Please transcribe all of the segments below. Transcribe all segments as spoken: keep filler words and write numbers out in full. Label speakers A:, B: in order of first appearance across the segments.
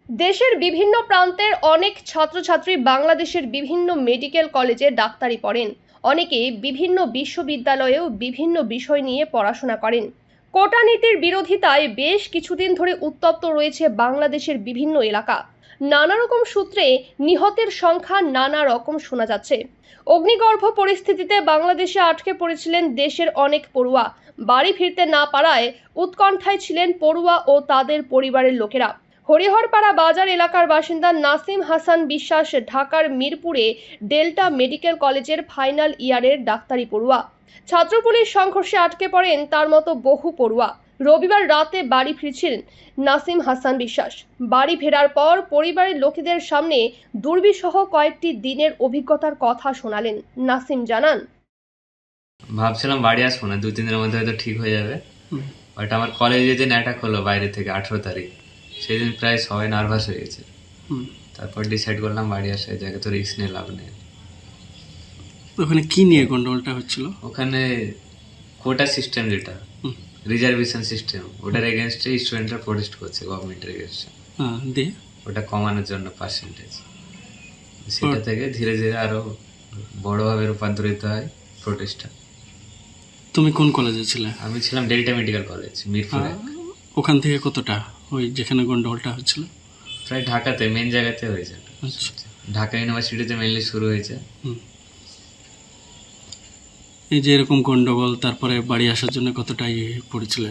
A: দেশের বিভিন্ন প্রান্তের অনেক ছাত্রছাত্রী বাংলাদেশের বিভিন্ন মেডিকেল কলেজে ডাক্তারি পড়েন। অনেকে বিভিন্ন বিশ্ববিদ্যালয়েও বিভিন্ন বিষয় নিয়ে পড়াশোনা করেন। কোটা নীতির বিরোধিতায় বেশ কিছুদিন ধরে উত্তপ্ত রয়েছে বাংলাদেশের বিভিন্ন এলাকা। নানা রকম সূত্রে নিহতের সংখ্যা নানা রকম শোনা যাচ্ছে। অগ্নিগর্ভ পরিস্থিতিতে বাংলাদেশে আটকে পড়েছিলেন দেশের অনেক পড়ুয়া। বাড়ি ফিরতে না পারায় উৎকণ্ঠায় ছিলেন পড়ুয়া ও তাদের পরিবারের লোকেরা। হরিহরপাড়া বাজার এলাকার বাসিন্দা নাসিম হাসান বিশ্বাস ঢাকার মিরপুরে ডেল্টা মেডিকেল কলেজের ফাইনাল ইয়ারের ডাক্তারি পড়ুয়া। ছাত্রপুলিশ সংঘর্ষে আটকে পড়েন তার মতো বহু পড়ুয়া। রবিবার রাতে বাড়ি ফিরছিলেন নাসিম হাসান বিশ্বাস। বাড়ি ফেরার পর পরিবারের লোকেদের সামনে দুর্বিষহ কয়েকটি দিনের অভিজ্ঞতার কথা শোনালেন। নাসিম জানান,
B: ভাবছিলাম বাড়ি আসবো না, দু তিন দিনের মধ্যে হয়তো ঠিক হয়ে যাবে। বাট আমার কলেজে যে অ্যাটাক হলো বাইরে থেকে আঠেরো তারিখ, সেদিন প্রায় সবাই নার্ভাস হয়ে গেছে। তারপর ডিসাইড করলাম বাড়ি আসা, জায়গায় তো রিস্ক নিয়ে লাভ নেই।
C: ওখানে কি নিয়ে গন্ডগোলটা হচ্ছিল?
B: ওখানে কোটা সিস্টেম, যেটা রিজার্ভেশন সিস্টেম, ওটার এগেনস্টে স্টুডেন্টরা প্রোটেস্ট করছে গভর্নমেন্টের এগেনস্টে।
C: দিয়ে
B: ওটা কমানোর জন্য পার্সেন্টেজ, সেটা থেকে ধীরে ধীরে আরো বড়ভাবে রূপান্তরিত হয় প্রোটেস্টটা।
C: তুমি কোন কলেজে ছিলে?
B: আমি ছিলাম ডেল্টা মেডিকেল কলেজ, মিরপুরে।
C: ওখান থেকে কতটা ওই যেখানে গন্ডগোলটা হচ্ছিল?
B: প্রায় ঢাকাতে, মেন জায়গাতে হয়েছে। ঢাকা ইউনিভার্সিটিতে মেনলি শুরু হয়েছে।
C: এই যে এরকম গন্ডগোল, তারপরে বাড়ি আসার জন্য কতটা ইয়ে পড়েছিল?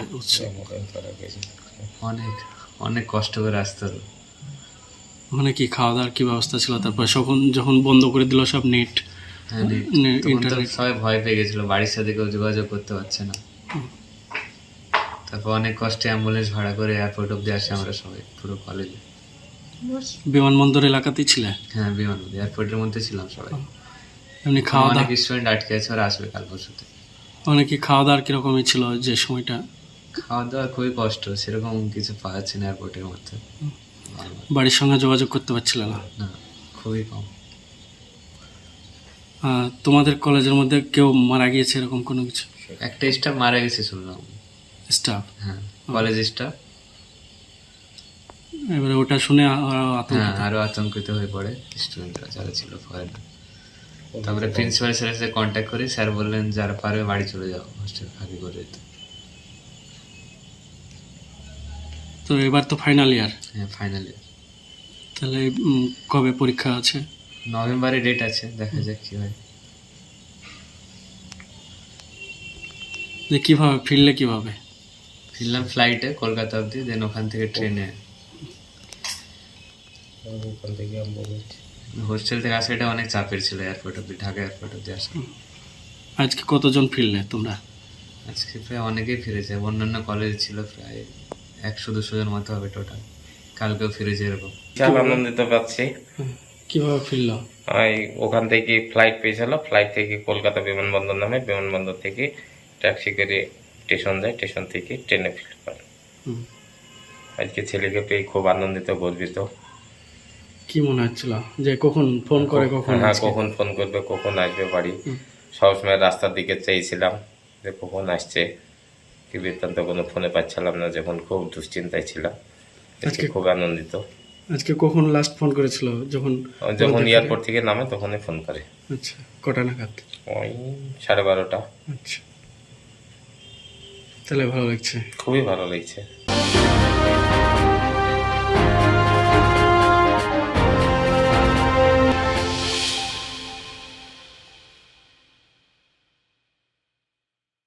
B: অনেক অনেক কষ্ট করে আসতে হলো।
C: ওখানে কি খাওয়া দাওয়ার কি ব্যবস্থা ছিল? তারপর যখন যখন বন্ধ করে দিল সব নেট,
B: হ্যাঁ, সবাই ভয় পেয়ে গেছিল, বাড়ির সাথে কেউ যোগাযোগ করতে পারছে না। তারপর অনেক কষ্টে অ্যাম্বুলেন্স ভাড়া করে এয়ারপোর্ট অব্দি আসে আমরা সবাই, পুরো কলেজে।
C: বিমানবন্দর এলাকাতেই ছিলে?
B: হ্যাঁ, বিমানবন্দর এয়ারপোর্টের মধ্যে ছিলাম সবাই।
C: এমনি খাওয়া দাওয়া?
B: অনেক স্টুডেন্ট আটকে আছে, ওরা আসবে কাল পরশুতে।
C: অনেকে খাওয়া দাওয়ার কিরকমই ছিল যে সময়টা?
B: খাওয়া দাওয়া খুবই কষ্ট, সেরকম কিছু পাওয়া যাচ্ছে না এয়ারপোর্টের মধ্যে।
C: বাড়ির সঙ্গে যোগাযোগ করতে পারছিল না?
B: না, খুবই কম।
C: তোমাদের কলেজের মধ্যে কেউ মারা গিয়েছে এরকম কোনো কিছু?
B: একটা স্টাফ মারা গেছে শুনলাম।
C: স্টাফ?
B: হ্যাঁ, কলেজ স্টাফ।
C: এবারে ওটা শুনে
B: হ্যাঁ, আরো আতঙ্কিত হয়ে পড়ে স্টুডেন্টরা যারা ছিল ফরেনার। তারপরে প্রিন্সিপাল স্যারের সাথে কন্ট্যাক্ট করি, স্যার বললেন যারা পারবে বাড়ি চলে যাও, হোস্টেল খালি করে দিতে।
C: তো এবার তো ফাইনাল ইয়ার?
B: হ্যাঁ, ফাইনাল ইয়ার।
C: তাহলে কবে পরীক্ষা আছে?
B: নভেম্বরে ডেট আছে, দেখা যাক কি হয়।
C: যে কিভাবে ফিরলে? কিভাবে
B: ফিরলাম ফ্লাইটে কলকাতা অবধি, দেন ওখান থেকে ট্রেনে। হোস্টেল থেকে আসা এটা অনেক চাপের ছিল, এয়ারপোর্ট অব্দি, ঢাকা এয়ারপোর্ট অব্দি আসা।
C: আজকে কতজন ফিরলে তোমরা?
B: আজকে প্রায় অনেকেই ফিরেছে, অন্যান্য কলেজ ছিল প্রায় একশো দুশো জন মতো হবে টোটাল। কালকেও ফিরেছে এরকম।
D: বিশাল আনন্দিত পাচ্ছি।
C: কিভাবে ফিরলো?
D: ওই ওখান থেকে ফ্লাইট পেয়েছিল, ফ্লাইট থেকে কলকাতা বিমানবন্দর নামে, বিমানবন্দর থেকে ট্যাক্সি করে স্টেশন যায়, স্টেশন থেকে ট্রেনে ফিরতে পারে। আজকে ছেলেকে পেয়ে খুব আনন্দিত, গর্বিত।
C: কি মনে হচ্ছিল যে কখন ফোন করে, কখন
D: হ্যাঁ কখন ফোন করবে, কখন আসবে বাড়ি। সবসময় রাস্তার দিকে চাইছিলাম যে কখন আসছে, কি বৃত্তান্ত কোনো ফোনে পাচ্ছিলাম না, যখন খুব দুশ্চিন্তায় ছিলাম। আজকে খুব আনন্দিত।
C: আজকে কখন লাস্ট ফোন করেছিল? যখন
D: যখন এয়ারপোর্ট থেকে নামে তখনই ফোন করে।
C: আচ্ছা, কটা নাগাদ?
D: ওই সাড়ে বারোটা।
C: আচ্ছা, তাহলে ভালো লাগছে?
D: খুবই ভালো লাগছে।